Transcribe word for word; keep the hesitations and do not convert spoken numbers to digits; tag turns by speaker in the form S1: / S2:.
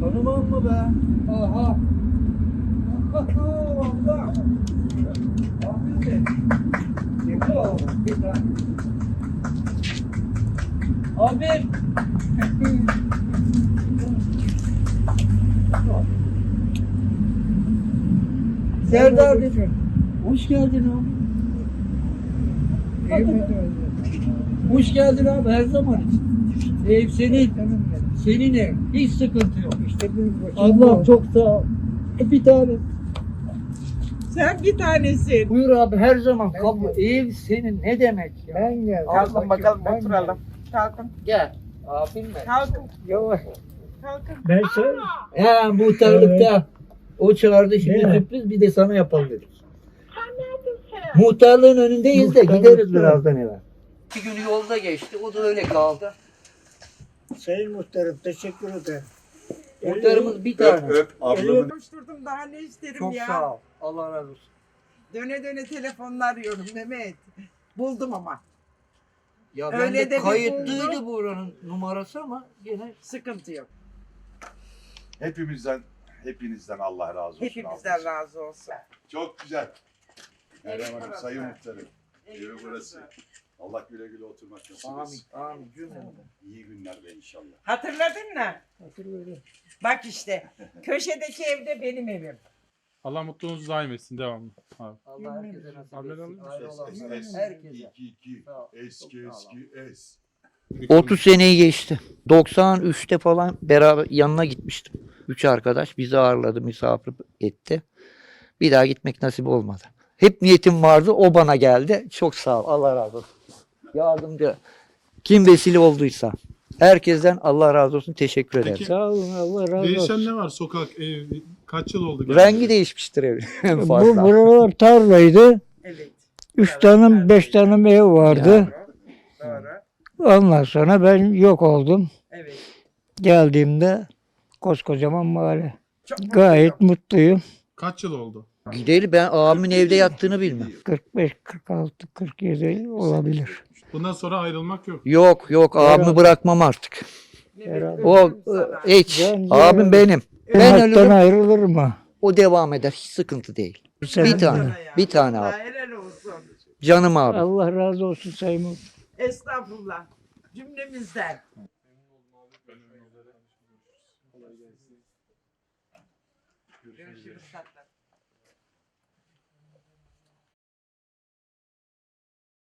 S1: Tanımam mı be? Aha. Allah. Abi de. Yakala oğlum. Bir tane. Abi. Serdar dedi. Hoş geldin abi. Hoş geldin abi her zaman için. Ev senin. Senin ev. Hiç sıkıntı yok. İşte Allah çok sağ ol. Bir tane.
S2: Sen bir tanesin.
S1: Buyur abi her zaman kapı. Ev senin ne demek ya?
S3: Ben geldim.
S2: Kalkın bakalım
S3: Ben
S2: oturalım. Kalkın.
S1: Gel. Abim ben.
S2: Kalkın.
S3: Yavaş.
S2: Kalkın.
S3: Ben söyle.
S1: He muhtarlıkta. O çağırdı şimdi
S3: Değil mi?
S1: sürpriz bir de sana yapalım dedik. Muhtarlığın önündeyiz de
S3: Muhtarlıkta.
S1: gideriz birazdan eve. Bir gün yolda geçti o da öyle kaldı.
S3: Sayın Muhtarım teşekkür ederim.
S1: Muhtarımız bir tane.
S4: Öp öp ablamın.
S2: Koşturdum daha ne isterim
S1: Çok
S2: ya.
S1: sağ ol. Allah razı olsun.
S2: Döne döne telefonla arıyorum Mehmet. Buldum ama.
S1: Ya
S2: Öyle
S1: ben de
S2: de bir
S1: kayıtlıydı
S2: buldum.
S1: buranın numarası ama yine
S2: Sıkıntı yok.
S4: Hepimizden, hepinizden Allah razı olsun.
S2: Hepimizden
S4: ablacığım.
S2: razı olsun.
S4: Çok güzel. Meryem Hanım,
S2: burası.
S4: sayın muhtarım.
S2: Evi
S4: Evi burası. Allah güle güle oturmak nasip
S1: amin
S4: etsin.
S1: amin cümlemize.
S4: İyi günlerde inşallah.
S2: Hatırladın mı?
S3: Hatırlıyorum.
S2: Bak işte. Köşedeki evde benim evim.
S5: Allah mutluluğunuzu daim etsin devamlı. Abi.
S1: Allah herkese nasip
S5: Haber
S1: etsin.
S5: alır mısın?
S1: Ayrı
S4: Es, es,
S1: olanlara,
S4: es.
S1: herkese.
S4: İki, iki.
S1: Sağ ol.
S4: Eski,
S1: Çok sağ ol.
S4: eski, es.
S1: otuz seneyi geçti. doksan üçte falan beraber yanına gitmiştim. Üç arkadaş bizi ağırladı, misafir etti. Bir daha gitmek nasip olmadı. Hep niyetim vardı, o bana geldi. Çok sağ ol, Allah razı olsun. Yardımcı, kim vesile olduysa. Herkesten Allah razı olsun, teşekkür ederim.
S5: Peki,
S3: Sağ olun Allah razı
S5: Değişen
S3: olsun.
S5: ne var sokak, ev? Kaç yıl oldu?
S1: Rengi değişmiştir evin en
S3: Bu
S1: fazla.
S3: buralar tarlaydı.
S2: Evet.
S3: Üç tane beş tane ev vardı.
S2: Doğru.
S3: Ondan sonra ben yok oldum.
S2: Evet.
S3: Geldiğimde koskocaman mahalle.
S2: Çok
S3: Gayet mutluyum.
S5: Kaç yıl oldu?
S1: Gideli ben abimin evde yattığını bilmem.
S3: kırk beş, kırk altı, kırk yedi olabilir.
S5: Bundan sonra ayrılmak yok.
S1: Yok yok abimi bırakmam artık.
S2: Mehmet,
S1: O
S2: öptüm sana.
S1: e, hiç.
S3: Ben-
S1: Abim benim. Ben
S3: Hayattan
S1: ölürüm
S3: ayrılır mı?
S1: o devam eder. Hiç sıkıntı değil.
S3: Sen-
S1: Bir tane.
S2: Sana ya.
S1: Bir tane
S2: Allah
S1: abi.
S2: helal olsun.
S1: Canım abi.
S3: Allah razı olsun Sayın Muhtarım.
S2: Estağfurullah. Cümlemizden. Görüşürüz tatlım.